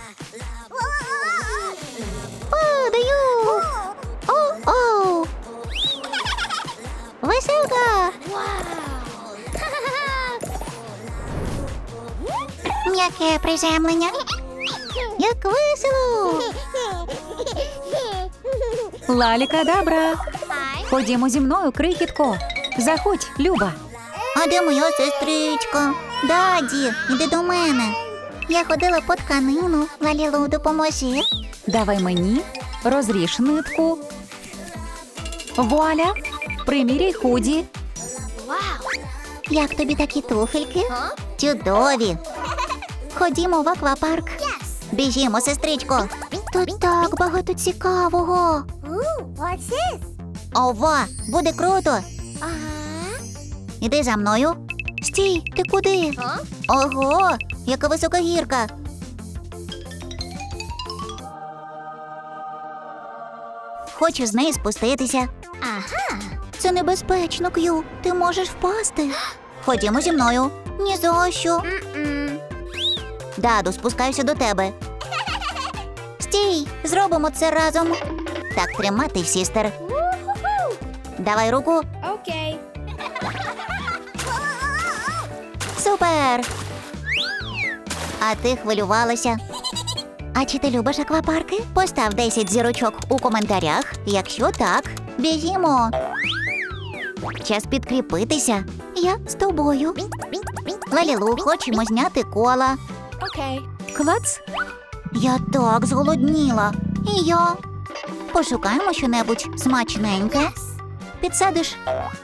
Падаю! Оу! Веселка! М'яке приземлення. Як весело! Лалікадабра. Ходімо зі мною, крихітко. Заходь, Люба. А де моя сестричка? Даді, іди до мене. Я ходила по тканину. Лалілу, допоможи. Давай мені, розріж нитку. Вуаля, приміряй худі. Як тобі такі туфельки? Чудові. Ходімо в аквапарк. Біжімо, сестричко. Тут так багато цікавого. Ова, буде круто. Іди за мною. Стій, ти куди? Ого, яка висока гірка. Хочу з неї спуститися. Це небезпечно, К'ю. Ти можеш впасти. Ходімо зі мною. Ні за що. Даду, спускаюся до тебе. Стій, зробимо це разом. Так тримати, сістер. Давай руку. Окей. Супер! А ти хвилювалася? А чи ти любиш аквапарки? Постав 10 зірочок у коментарях. Якщо так, біжімо. Час підкріпитися. Я з тобою. Лалілу, хочемо зняти кола. Окей. Клац. Я так зголодніла. І я. Пошукаємо щонебудь смачненьке. Підсадиш?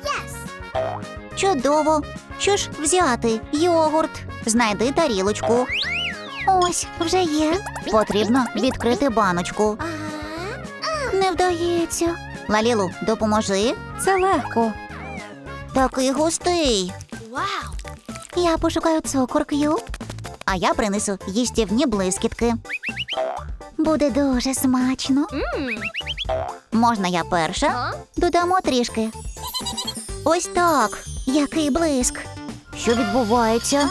Чудово. Що ж взяти? Йогурт. Знайди тарілочку. Ось, вже є. Потрібно відкрити баночку. Не вдається. Лалілу, допоможи. Це легко. Такий густий. Вау. Я пошукаю цукор, К'ю. А я принесу їстівні блискітки. Буде дуже смачно. Можна я перша? Додамо трішки. Ось так. Який блиск. Що відбувається?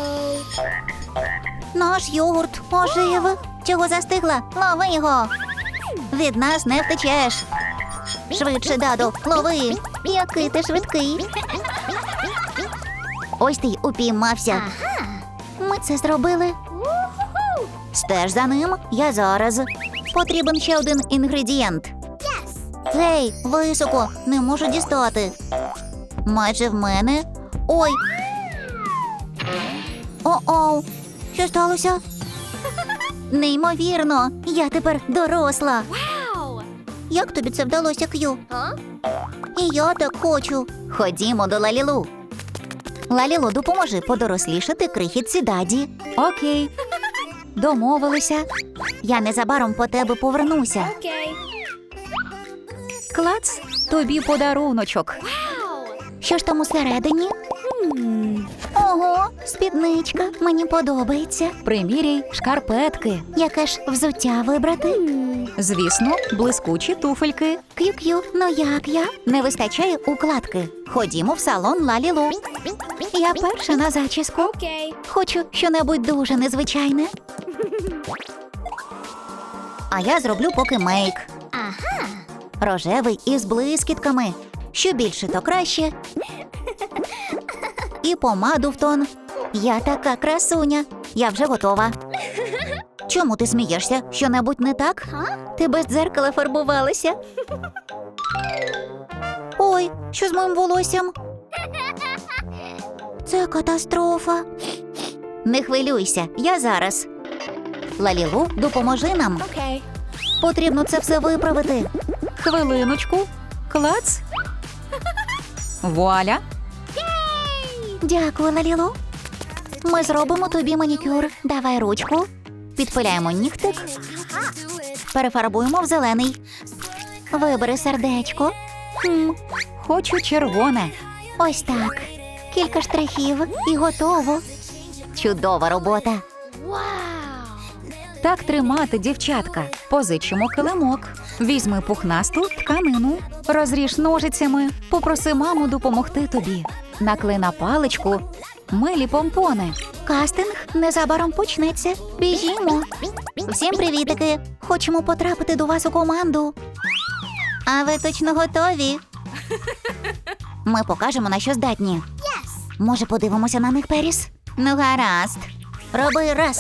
Наш йогурт ожив. Чого застигла? Лови його. Від нас не втечеш. Швидше, Даду, лови. Який ти швидкий. Ось ти й упіймався. Ми це зробили. Стеж за ним, я зараз. Потрібен ще один інгредієнт. Гей, високо, не можу дістати. Майже в мене. Ой. О-оу. Що сталося? Неймовірно, я тепер доросла. Вау. Як тобі це вдалося, К'ю? І я так хочу. Ходімо до Лалілу. Лалілу, допоможи подорослішати крихітці Даді. Окей. Домовилися. Я незабаром по тебе повернуся. Окей. Клац, тобі подаруночок. Вау. Що ж там усередині? Ого, спідничка, мені подобається. Приміряй шкарпетки. Яке ж взуття вибрати? Звісно, блискучі туфельки. К'ю-к'ю, ну як я? Не вистачає укладки. Ходімо в салон Лалілу. Я перша на зачіску. Окей. Хочу щонебудь дуже незвичайне. А я зроблю поки мейк. Рожевий із блискітками. Що більше, то краще. І помаду в тон. Я така красуня. Я вже готова. Чому ти смієшся? Що-небудь не так? Ти без дзеркала фарбувалася. Ой, що з моїм волоссям? Це катастрофа. Не хвилюйся, я зараз. Лалілу, допоможи нам. Окей. Потрібно це все виправити. Хвилиночку. Клац. Вуаля. Дякую, Лалілу. Ми зробимо тобі манікюр. Давай ручку. Підпиляємо нігтик. Перефарбуємо в зелений. Вибери сердечко. Хочу червоне. Ось так. Кілька штрихів і готово. Чудова робота. Вау. Так тримати, дівчатка. Позичимо килимок. Візьми пухнасту тканину. Розріж ножицями. Попроси маму допомогти тобі. Наклей на паличку милі помпони. Кастинг незабаром почнеться. Біжімо. Всім привітики! Хочемо потрапити до вас у команду. А ви точно готові? Ми покажемо, на що здатні. Може, подивимося на них, Періс? Ну, гаразд. Роби раз.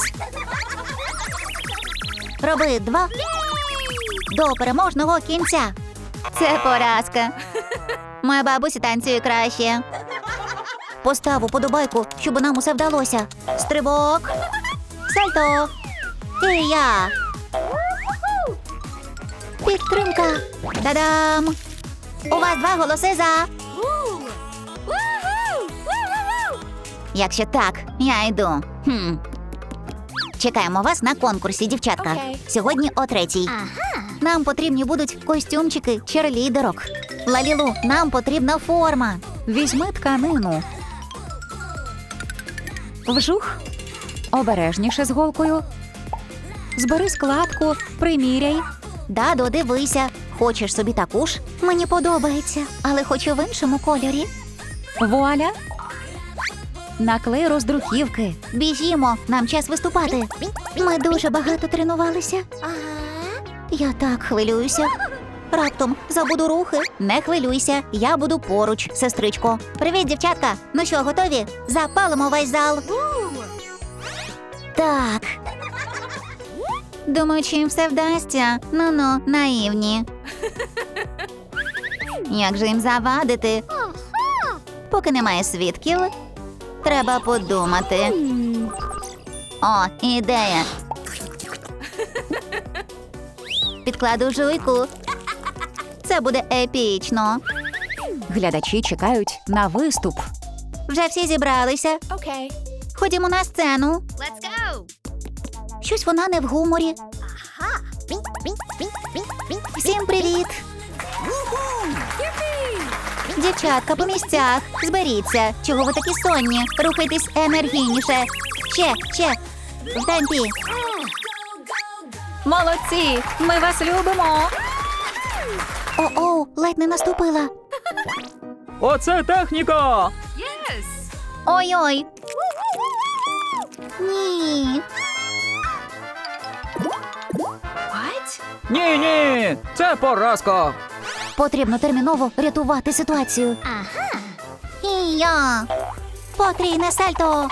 Роби два. До переможного кінця. Це поразка. Моя бабуся танцює краще. Постав уподобайку, щоб нам усе вдалося. Стрибок. Сальто. І я. Підтримка. Та-дам! У вас 2 голоси за. Woo! Woohoo! Woo-hoo-hoo! Якщо так, я йду. Чекаємо вас на конкурсі, дівчатка. Окей. Сьогодні о 3:00. Нам потрібні будуть костюмчики черлідерок. Лалілу, нам потрібна форма. Візьми тканину. Вжух. Обережніше з голкою. Збери складку, приміряй. Дадо, дивися. Хочеш собі таку ж? Мені подобається, але хочу в іншому кольорі. Вуаля. Наклей роздруківки. Біжімо, нам час виступати. Ми дуже багато тренувалися. Я так хвилююся. Раптом забуду рухи. Не хвилюйся, я буду поруч, сестричко. Привіт, дівчатка. Ну що, готові? Запалимо весь зал. Так. Думаю, чи їм все вдасться. Ну-ну, наївні. Як же їм завадити? Поки немає свідків, треба подумати. О, ідея. Підкладу жуйку. Це буде епічно. Глядачі чекають на виступ. Вже всі зібралися. Okay. Ходімо на сцену. Let's go! Щось вона не в гуморі. Всім привіт! Дівчатка по місцях. Зберіться. Чого ви такі сонні? Рухайтесь енергійніше. Ще. В темпі. Молодці! Ми вас любимо! О-оу, ледь не наступила. Оце техніка! Ой-ой. Ні. What? Ні, це поразка! Потрібно терміново рятувати ситуацію. І я. Потрійне сальто.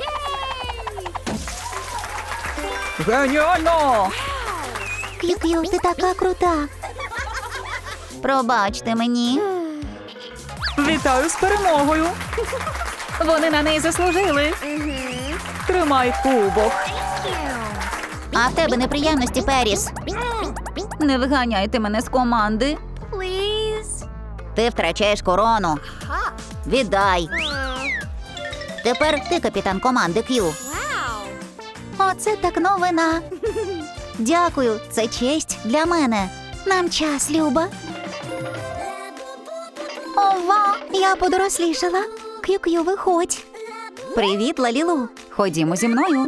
Геніально! К'ю-к'ю, ти така крута. Пробачте мені. Вітаю з перемогою! Вони на неї заслужили. Тримай кубок! А в тебе неприємності, Періс. Не виганяйте мене з команди. Please? Ти втрачаєш корону. Віддай. Тепер ти капітан команди К'ю. Wow! Оце так новина. Дякую, це честь для мене. Нам час, Люба. Ова, я подорослішала. К'ю-к'ю, виходь. Привіт, Лалілу. Ходімо зі мною.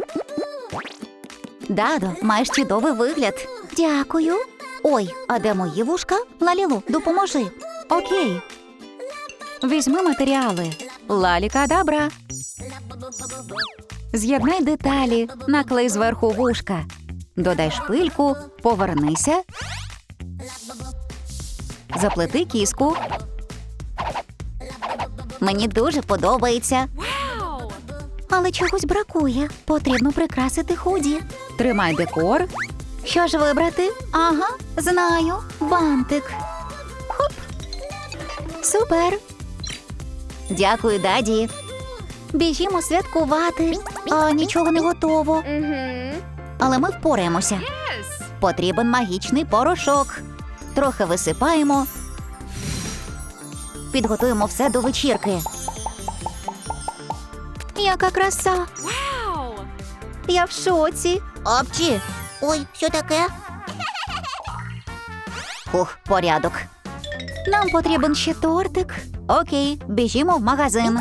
Дадо, маєш чудовий вигляд. Дякую. Ой, а де мої вушка? Лалілу, допоможи. Окей. Візьми матеріали. Лалікадабра. З'єднай деталі, наклей зверху вушка. Додай шпильку, повернися. Заплети кіску. Мені дуже подобається. Wow! Але чогось бракує. Потрібно прикрасити худі. Тримай декор. Що ж вибрати? Ага, знаю. Бантик. Хоп. Супер. Дякую, даді. Біжімо святкувати. А нічого не готово. Але ми впораємося. Yes! Потрібен магічний порошок. Трохи висипаємо. Підготуємо все до вечірки. Яка краса! Wow! Я в шоці. Апчі! Ой, що таке? Хух, порядок. Нам потрібен ще тортик. Окей, біжімо в магазин.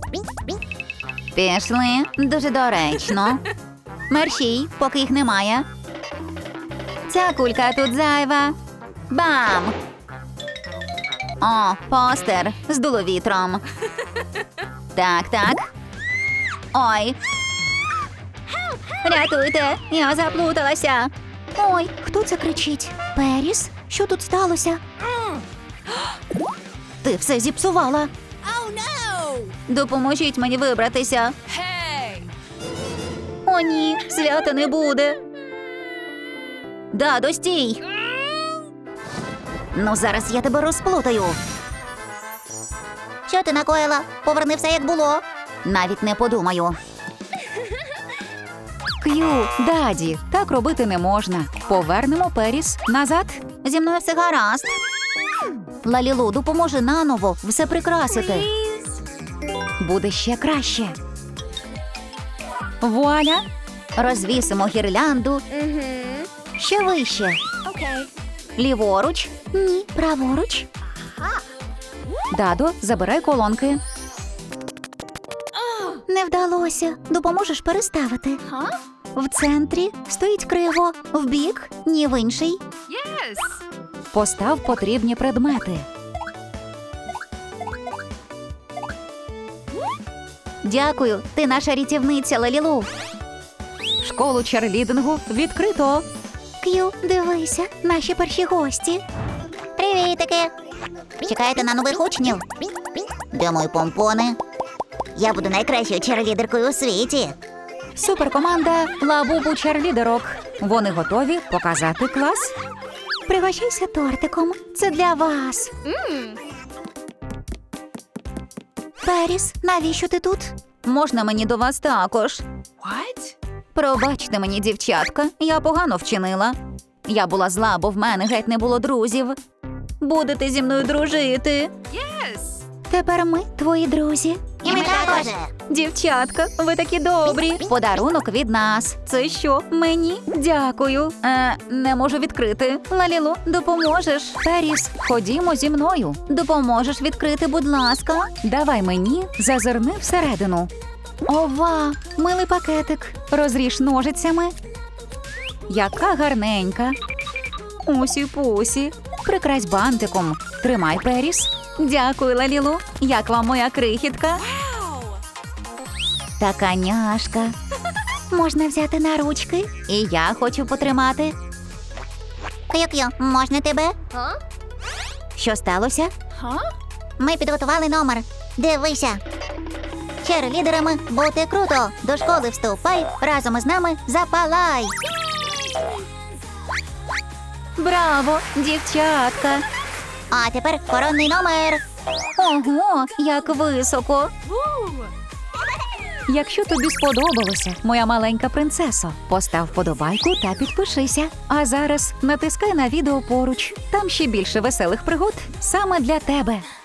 Пішли. Дуже доречно. Мерщій, поки їх немає. Ця кулька тут зайва. Бам! О, постер. Здуло вітром. Так. Ой. Рятуйте, я заплуталася. Ой, хто це кричить? Періс? Що тут сталося? Ти все зіпсувала. Допоможіть мені вибратися. Hey! О, ні, свята не буде. Дадо, стій. Ну, зараз я тебе розплутаю. Що ти накоїла? Поверни все, як було. Навіть не подумаю. К'ю, Даді, так робити не можна. Повернемо Періс назад. Зі мною все гаразд. Лалілу, допоможи наново все прикрасити. Please? Буде ще краще. Вуаля! Розвісимо гірлянду. Ще вище. Okay. Ліворуч. Ні, праворуч. Дадо, забирай колонки. Не вдалося. Допоможеш переставити. Huh? В центрі стоїть криво, вбік, ні в інший. Yes! Постав потрібні предмети. Дякую, ти наша рятівниця, Лалілу. Школу черлідингу відкрито. К'ю, дивися, наші перші гості. Привітики! Чекаєте на нових учнів? Де мої помпони? Я буду найкращою черлідеркою у світі. Суперкоманда Лабубу черлідерок. Вони готові показати клас. Пригощайся тортиком. Це для вас. Періс, навіщо ти тут? Можна мені до вас також? What? Пробачте мені, дівчатка, я погано вчинила. Я була зла, бо в мене геть не було друзів. Будете зі мною дружити. Yes! Тепер ми твої друзі. І ми також. Дівчатка, ви такі добрі. Подарунок від нас. Це що, мені? Дякую. Не можу відкрити. Лалілу, допоможеш? Періс, ходімо зі мною. Допоможеш відкрити, будь ласка. Давай мені, зазирни всередину. Ова, милий пакетик. Розріж ножицями. Яка гарненька. Усі-пусі. Прикрась бантиком. Тримай, Періс. Дякую, Лалілу. Як вам моя крихітка? Wow! Така няшка. Можна взяти на ручки? І я хочу потримати. К'ю-к'ю, можна тебе? Huh? Що сталося? Huh? Ми підготували номер. Дивися. Черлідерами бути круто. До школи вступай, разом із нами запалай. Браво, дівчатка. А тепер коронний номер. Ого, як високо. Woo! Якщо тобі сподобалося, моя маленька принцесо, постав вподобайку та підпишися. А зараз натискай на відео поруч. Там ще більше веселих пригод саме для тебе.